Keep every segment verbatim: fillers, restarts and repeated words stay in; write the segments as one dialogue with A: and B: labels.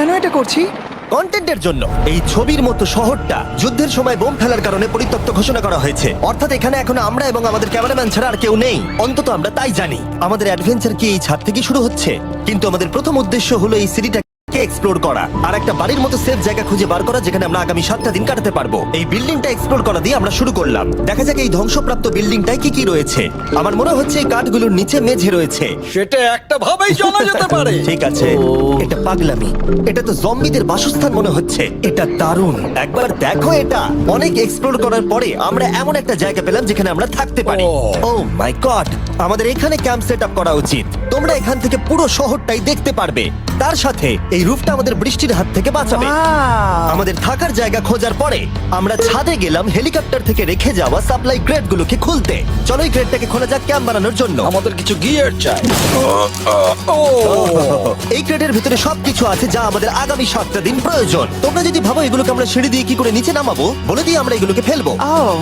A: কেন এটা করছি?
B: কন্টেন্টের জন্য। এই ছবির মতো শহরটা যুদ্ধের সময় বোম ফেলার কারণে পরিত্যক্ত ঘোষণা করা হয়েছে, অর্থাৎ এখানে এখন আমরা এবং আমাদের ক্যামেরাম্যান ছাড়া আর কেউ নেই। অন্তত আমরা তাই জানি। আমাদের অ্যাডভেঞ্চার কি এই ছাদ থেকে শুরু হচ্ছে, কিন্তু আমাদের প্রথম উদ্দেশ্য হলো এই সিটিটা এক্সপ্লোর করা আর একটা বাড়ির মতো সেফ জায়গা খুঁজে বার করা যেখানে আমরা আগামী সাতটা দিন কাটাতে পারবো। এই বিল্ডিংটা এক্সপ্লোর করা দিয়ে আমরা শুরু করলাম। দেখা যাক এই ধ্বংসপ্রাপ্ত বিল্ডিংটায় কি কি রয়েছে। আমার মনে হচ্ছে এই কাঠগুলোর নিচে মেঝে রয়েছে।
C: সেটা একটা ভাবেই জানা যেতে পারে।
B: ঠিক আছে, এটা পাগলামি। এটা তো জম্বিদের বাসস্থান মনে হচ্ছে। এটা দারুণ, একবার দেখো এটা। অনেক এক্সপ্লোর করার পরে আমরা এমন একটা জায়গা পেলাম যেখানে আমরা থাকতে পারি। ও মাই গড, আমাদের এখানে ক্যাম্প সেট আপ করা উচিত। তোমরা এখান থেকে পুরো শহরটাই দেখতে পারবে। তার সাথে এই রুফটা আমাদের বৃষ্টির হাত থেকে বাঁচাবে।
A: Wow!
B: আমাদের থাকার জায়গা খোঁজার পরে আমরা ছাদে গেলাম হেলিকপ্টার থেকে রেখে যাওয়া সাপ্লাই ক্রেট গুলোকে খুলতে। চলো এই ক্রেটটাকে খোলা যাক ক্যাম্প বানানোর জন্য।
C: আমাদের কিছু গিয়ার চাই।
B: এই ক্রেটের ভিতরে সবকিছু আছে যা আমাদের আগামী সাতটা দিন প্রয়োজন। তোমরা যদি ভাবো এগুলোকে আমরা সিঁড়ি দিয়ে কি করে নিচে নামাবো, বলে দিয়ে আমরা এগুলোকে ফেলবো।
A: Oh!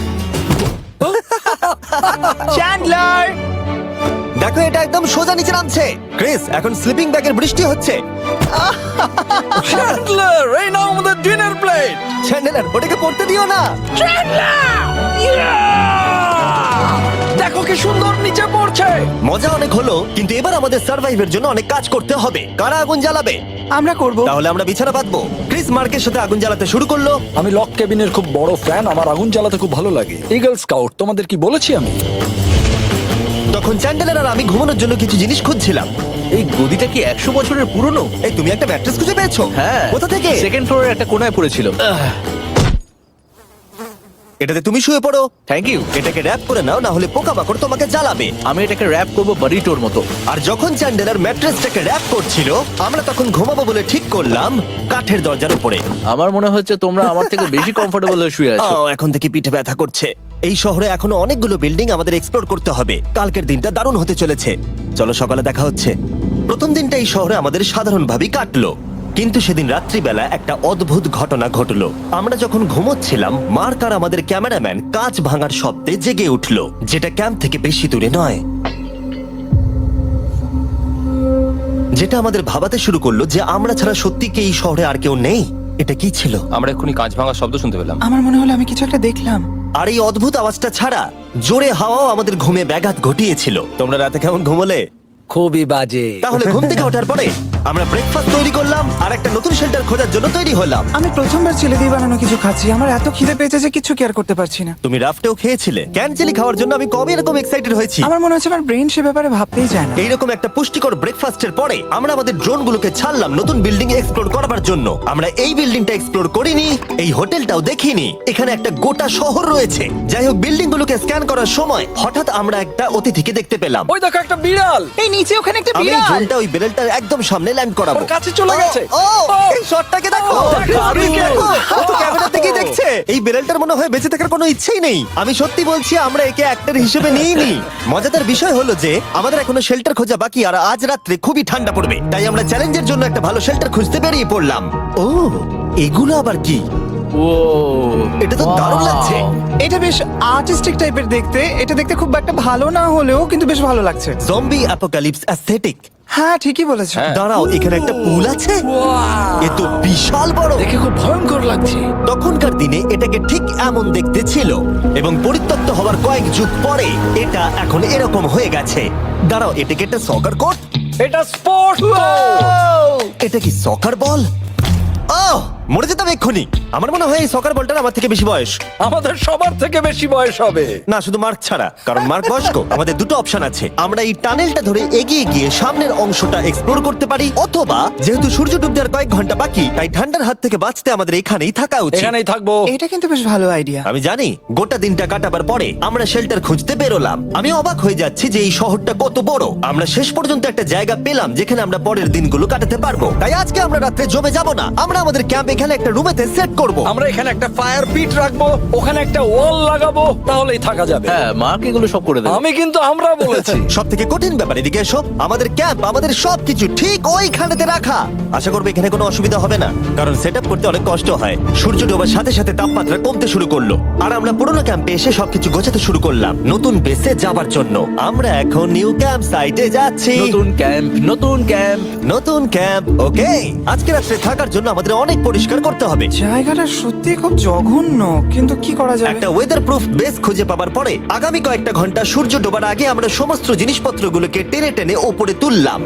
A: চ্যান্ডলার!
B: দেখো এটা একদম সোজা নিচে নামছে। ক্রিস, এখন স্লিপিং ব্যাগের বৃষ্টি হচ্ছে।
C: চ্যান্ডলার, এই নাও আমাদের ডিনার প্লেট।
B: চ্যান্ডেলার, ওটাকে পড়তে দিও না।
C: দেখো কি সুন্দর নিচে পড়ছে।
B: মজা অনেক হলো, কিন্তু এবার আমাদের সার্ভাইভের জন্য অনেক কাজ করতে হবে। কারা আগুন জ্বালাবে?
A: আমরা করব।
B: তাহলে আমরা বিছানা বাঁধবো। ক্রিস মার্কের সাথে আগুন জ্বালাতে শুরু করলো।
C: আমি লক কেবিনের খুব বড় ফ্যান, আমার আগুন জ্বালাতে খুব ভালো লাগে। ইগল স্কাউট, তোমাদের কি বলেছি আমি?
B: তখন চ্যান্ডেলার আর আমি ঘুমানোর জন্য কিছু জিনিস খুঁজছিলাম।
D: এই গদিটা কি একশো বছরের পুরনো?
B: এই তুমি একটা ম্যাট্রেস খুঁজে পেয়েছো?
D: হ্যাঁ।
B: কোথা থেকে?
D: সেকেন্ড ফ্লোরের একটা কোণায় পড়েছিল।
B: এটাতে তুমি শুয়ে পড়ো।
D: Thank you.
B: এটাকে র‍্যাপ করে নাও, না হলে পোকামাকড় তোমাকে জ্বালাবে।
D: আমি এটাকে র‍্যাপ করব বারিটোর মতো।
B: আর যখন চ্যান্ডেলার ম্যাট্রেসটাকে র‍্যাপ করছিল, আমরা তখন ঘুমাবো বলে ঠিক করলাম কাঠের দরজার উপরে।
D: আমার মনে হচ্ছে তোমরা আমার থেকে বেশি কমফোর্টেবল হয়ে শুয়ে আছো।
B: ও, এখন থেকে পিঠে ব্যথা করছে। এই শহরে এখনো অনেকগুলো বিল্ডিং আমাদের এক্সপ্লোর করতে হবে। কালকের দিনটা দারুণ হতে চলেছে। চলো সকালে দেখা হচ্ছে। প্রথম দিনটা এই শহরে আমাদের সাধারণভাবেই কাটলো, কিন্তু সেদিন রাত্রিবেলা একটা অদ্ভুত ঘটনা ঘটলো। আমরা যখন ঘুমোচ্ছিলাম, মার্ক আর আমাদের ক্যামেরাম্যান কাঁচ ভাঙার শব্দে জেগে উঠলো, যেটা ক্যাম্প থেকে বেশি দূরে নয়। যেটা আমাদের ভাবাতে শুরু করলো যে আমরা ছাড়া সত্যি কি এই শহরে আর কেউ নেই। এটা কি ছিল?
E: আমরা এক্ষুনি কাঁচ ভাঙার শব্দ শুনতে পেলাম।
A: আমার মনে হলো আমি কিছু একটা দেখলাম।
B: আর এই অদ্ভুত আওয়াজটা ছাড়া জোরে হাওয়াও আমাদের ঘুমে ব্যাঘাত ঘটিয়েছিল। তোমরা রাতে কেমন ঘুমোলে?
D: খুবই বাজে।
B: তাহলে ঘুম থেকে ওঠার পরে আমরা ব্রেকফাস্ট তৈরি করলাম আর একটা নতুন শেল্টার খোঁজার জন্য তৈরি হলাম।
A: আমি প্রথমবার ছেলে দিয়ে বানানো কিছু খাচ্ছি। আমার এত খিদে পেয়েছে যে কিছু কেয়ার করতে পারছি না।
B: তুমি রাফটেও খেয়েছিলে। ক্যানচেলি খাওয়ার জন্য আমি কবে এরকম এক্সাইটেড হয়েছি।
A: আমার মনে হচ্ছে আমার ব্রেন সে ব্যাপারে ভাবতেই যায় না।
B: এইরকম একটা পুষ্টিকর ব্রেকফাস্টের পরে আমরা আমাদের ড্রোনগুলোকে ছাড়লাম নতুন বিল্ডিং এক্সপ্লোর করার জন্য। আমরা এই বিল্ডিংটা এক্সপ্লোর করিনি, এই হোটেলটাও দেখিনি। এখানে একটা গোটা শহর রয়েছে। যাই হোক, বিল্ডিং গুলোকে স্ক্যান করার সময় হঠাৎ আমরা একটা অতিথিকে দেখতে পেলাম।
C: ওই দেখো একটা বিড়াল।
A: এই নিচে ওখানে একটা
B: আমি এই
A: বিড়াল।
B: ড্রোনটা ওই বেরেলটার একদম সামনে ল্যান্ড করাবো।
C: ওর কাছে চলে গেছে।
B: ও, ও, এই শটটাকে দেখো।
C: ও, দারুণ।
B: দেখো, ও তো ক্যামেরা থেকেই দেখছে। এই বেরেলটার মনে হয় বেঁচে থাকার কোনো ইচ্ছেই নেই। আমি সত্যি বলছি, আমরা একে অ্যাক্টর হিসেবে নিইনি। মজাদার বিষয় হলো যে আমাদের এখনো শেল্টার খোঁজা বাকি, আর আজ রাত্রে খুবই ঠান্ডা পড়বে। তাই আমরা চ্যালেঞ্জের জন্য একটা ভালো শেল্টার খুঁজতে বেরিয়ে পড়লাম। ও, এগুলো আবার কি?
D: ও,
B: এটা তো দারুণ লাগছে।
A: এটা বেশ আর্টিস্টিক টাইপের দেখতে। এটা দেখতে খুব একটা ভালো না হলেও কিন্তু বেশ ভালো লাগছে।
B: Zombie apocalypse aesthetic.
A: হ্যাঁ, ঠিকই বলেছো।
B: দাঁড়াও, এখানে একটা পুল আছে। এ তো বিশাল বড়।
C: দেখে খুব ভয়ঙ্কর লাগছে।
B: তখনকার দিনে এটাকে ঠিক এমন দেখতে ছিল, এবং পরিত্যক্ত হওয়ার কয়েক যুগ পরে এটা এখন এরকম হয়ে গেছে। দাঁড়াও, এটাকে একটা সকার কোর্ট।
C: এটা স্পোর্টস।
B: এটা কি সকার বল? ওহ, মরে যেতাম এক্ষুনি। আমার মনে হয় এই সকার বলটার আমার থেকে বেশি বয়স।
C: আমাদের সবার থেকে বেশি বয়স হবে।
B: না, শুধু মার্ক ছাড়া, কারণ মার্ক বয়স্ক। আমাদের দুটো অপশন আছে। আমরা এই টানেলটা ধরে এগিয়ে গিয়ে সামনের অংশটা এক্সপ্লোর করতে পারি, অথবা যেহেতু সূর্য ডুবতে আর কয়েক ঘন্টা বাকি, তাই ঠান্ডার হাত থেকে বাঁচতে আমাদের এখানেই থাকা উচিত।
C: এখানেই থাকবো।
A: এটা কিন্তু বেশ ভালো আইডিয়া।
B: আমি জানি। গোটা দিনটা কাটাবার পরে আমরা শেল্টার খুঁজতে বেরোলাম। আমি অবাক হয়ে যাচ্ছি যে এই শহরটা কত বড়। আমরা শেষ পর্যন্ত একটা জায়গা পেলাম যেখানে আমরা পরের দিনগুলো কাটাতে পারবো। তাই আজকে আমরা রাত্রে জমে যাব না। আমরা আমাদের ক্যাম্প এখানে একটা রুমেতে সেট করব।
C: আমরা এখানে একটা ফায়ার পিট রাখবো, ওখানে একটা ওয়াল লাগাবো, তাহলেই থাকা যাবে।
D: হ্যাঁ মার্ক এগুলো সব করে দেবে।
C: আমি কিন্তু আমরা বলেছি।
B: সব থেকে কঠিন ব্যাপার, এদিকে এসো। আমাদের ক্যাম্প, আমাদের সবকিছু ঠিক ওইখানেতে রাখা। আশা করবো এখানে কোনো অসুবিধা হবে না, কারণ সেট আপ করতে অনেক কষ্ট হয়। সূর্য ডোবার সাথে সাথে তাপমাত্রা কমতে শুরু করলো, আর আমরা পুরোনো ক্যাম্পে এসে সবকিছু গোছাতে শুরু করলাম নতুন বেসে যাবার জন্য। আমরা এখন নিউ ক্যাম্প সাইটে যাচ্ছি।
D: নতুন ক্যাম্প, নতুন ক্যাম্প।
B: নতুন ক্যাম্প, ওকে। আজকে রাত্রে থাকার জন্য আমাদের অনেক পরিষ্কার করতে হবে।
A: জায়গাটা সত্যি খুব জঘন্য, কিন্তু কি করা যাবে?
B: একটা ওয়েদার প্রুফ বেস খুঁজে পাবার পরে আগামী কয়েকটা ঘন্টা সূর্য ডোবার আগে আমরা সমস্ত জিনিসপত্রগুলোকে টেনে টেনে ওপরে তুললাম।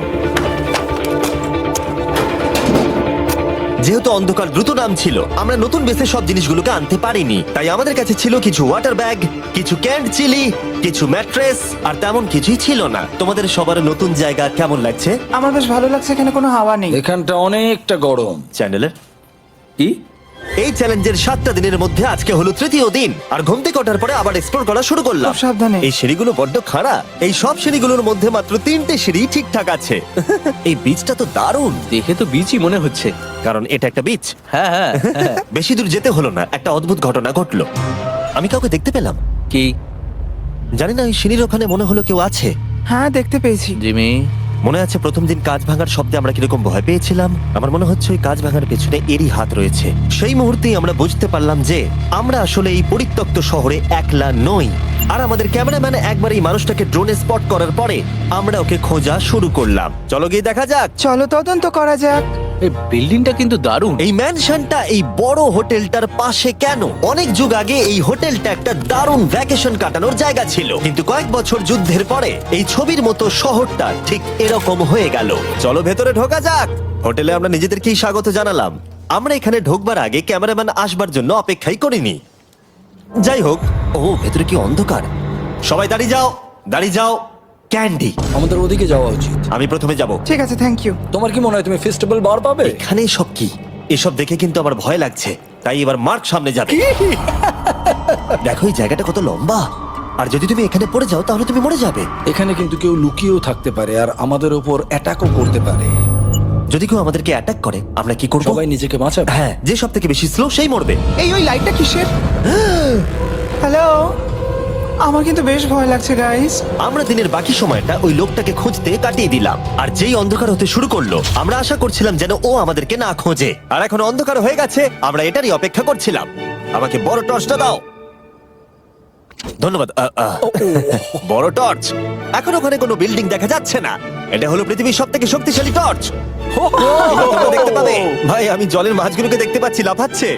B: যেহেতু অন্ধকার দ্রুত নাম ছিল, আমরা নতুন বেসে সব জিনিসগুলোকে আনতে পারিনি, তাই আমাদের কাছে ছিল কিছু ওয়াটার ব্যাগ, কিছু ক্যান্ড চিলি, কিছু ম্যাট্রেস, আর তেমন কিছুই ছিল না। তোমাদের সবার নতুন জায়গা কেমন লাগছে?
A: আমার বেশ ভালো লাগছে, এখানে কোনো হাওয়া নেই।
C: এখানটা অনেকটা গরম।
B: চ্যানেলের
D: কি?
B: এই চ্যালেঞ্জের সাতটা দিনের মধ্যে আজকে হলো তৃতীয় দিন, আর ঘুম থেকে ওঠার পরে আবার এক্সপ্লোর করা শুরু করলাম।
A: খুব সাবধানে।
B: এই সিঁড়িগুলো বড্ড খাড়া। এই সব সিঁড়িগুলোর মধ্যে মাত্র তিনটে সিঁড়ি ঠিকঠাক আছে। এই বীজটা তো দারুণ,
D: দেখে তো বিচই মনে হচ্ছে।
B: কারণ এটা একটা বীজ।
D: হ্যাঁ হ্যাঁ হ্যাঁ।
B: বেশি দূর যেতে হলো না, একটা অদ্ভুত ঘটনা ঘটলো। আমি কাউকে দেখতে পেলাম,
D: কি?
B: জানি না, ওই সিঁড়ির ওখানে মনে হলো কেউ আছে।
A: হ্যাঁ, দেখতে পেয়েছি।
D: জিমি,
B: মনে আছে প্রথম দিন কাঁচ ভাঙার শব্দে আমরা কিরকম ভয় পেয়েছিলাম? আমার মনে হচ্ছে ওই কাঁচ ভাঙার পেছনে এরই হাত রয়েছে। সেই মুহূর্তেই আমরা বুঝতে পারলাম যে আমরা আসলে এই পরিত্যক্ত শহরে একলা নই। আর আমাদের ক্যামেরাম্যান একবার এই মানুষটাকে ড্রোনে স্পট করার পরে আমরা ওকে খোঁজা শুরু করলাম। চলো গিয়ে দেখা যাক।
A: চলো তদন্ত করা যাক।
D: এই বিল্ডিংটা কিন্তু দারুণ।
B: এই ম্যানশনটা এই বড় হোটেলটার পাশে কেন? অনেক যুগ আগে এই হোটেলটা একটা দারুণ ভ্যাকেশন কাটানোর জায়গা ছিল, কিন্তু কয়েক বছর যুদ্ধের পরে এই ছবির মতো শহরটা ঠিক এরকম হয়ে গেল। চলো ভেতরে ঢোকা যাক। হোটেলে আমরা নিজেদেরকেই স্বাগত জানালাম। আমরা এখানে ঢোকবার আগে ক্যামেরাম্যান আসবার জন্য অপেক্ষাই করিনি। যাই হোক, ও ভেতরে কি অন্ধকার। সবাই দাঁড়িয়ে যাও, দাঁড়িয়ে যাও। ক্যান্ডি,
C: আমাদের ওদিকে যাওয়া উচিত।
B: আমি প্রথমে যাব।
A: ঠিক আছে, থ্যাংক ইউ।
C: তোমার কি মনে হয় তুমি ফেস্টিভ্যাল বার পাবে?
B: এখানে সব কি? এসব দেখে কিন্তু আমার ভয় লাগছে, তাই এবার মার্ক সামনে যাবে। দেখো এই জায়গাটা কত লম্বা, আর যদি তুমি এখানে পড়ে যাও তাহলে তুমি মরে যাবে।
C: এখানে কিন্তু কেউ লুকিয়েও থাকতে পারে আর আমাদের ওপর অ্যাটাকও করতে পারে।
B: যদি কেউ আমাদেরকে অ্যাটাক করে আমরা কি করব?
C: সবাই নিজেকে বাঁচাবে।
B: হ্যাঁ, যে সব থেকে বেশি স্লো সেই মরবে।
A: এই ওই লাইটটা কিসের? হ্যালো, আমার কিন্তু বেশ ভয় লাগছে গাইস।
B: আমরা দিনের বাকি সময়টা ওই লোকটাকে খুঁজতে কাটিয়ে দিলাম, আর যেই অন্ধকার হতে শুরু করলো আমরা আশা করছিলাম যেন ও আমাদেরকে না খোঁজে। আর এখন অন্ধকার হয়ে গেছে, আমরা এটারই অপেক্ষা করছিলাম। আমাকে বড় টর্চটা দাও। ধন্যবাদ। আ, আ। বড় টর্চ। এখন ওখানে কোনো বিল্ডিং দেখা যাচ্ছে না। এটা হলো পৃথিবীর সব থেকে শক্তিশালী টর্চ। তোমরা দেখতে পাবে। ভাই, আমি জলের মাছগুলোকে দেখতে পাচ্ছি লাফাচ্ছে।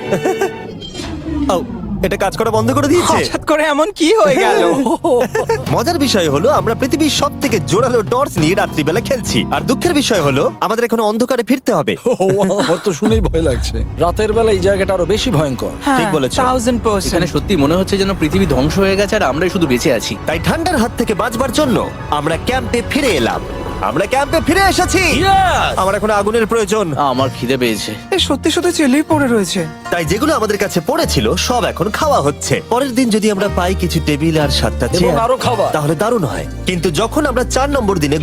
B: ও, এটা কাজ করা বন্ধ করে দিয়েছে।
A: হঠাৎ করে এমন কি হয়ে গেল?
B: মজার বিষয় হলো আমরা পৃথিবীর সব থেকে জোরালো টর্চ নিয়ে রাত্রিবেলা খেলছি, আর দুঃখের বিষয় হলো আমাদের এখন অন্ধকারে ফিরতে হবে।
C: ও, আমার তো শুনেই ভয় লাগছে। রাতের বেলা এই জায়গাটা আরো বেশি ভয়ঙ্কর।
B: ঠিক বলেছো।
A: থাউজেন্ড
D: এখানে
A: পার্সেন্ট।
D: সত্যি মনে হচ্ছে যেন পৃথিবী ধ্বংস হয়ে গেছে আর আমরাই শুধু বেঁচে আছি।
B: তাই ঠান্ডার হাত থেকে বাঁচবার জন্য আমরা ক্যাম্পে ফিরে এলাম। আমরা ক্যাম্পে ফিরে এসেছি। আমার এখন আগুনের প্রয়োজন।
D: আমার খিদে পেয়েছে।
A: এ সত্যি সত্যি চেলেই পড়ে রয়েছে।
B: তাই যেগুলো আমাদের কাছে পড়েছিল সব এখন খাওয়া হচ্ছে। পরের দিন যদি আমরা পাই কিছু টেবিল আর সাতটা
C: এবং
B: চেয়ার,
C: আরো খাবার।
B: তাহলে দারুণ হয়। কিন্তু যখন আমরা চার নম্বর দিনে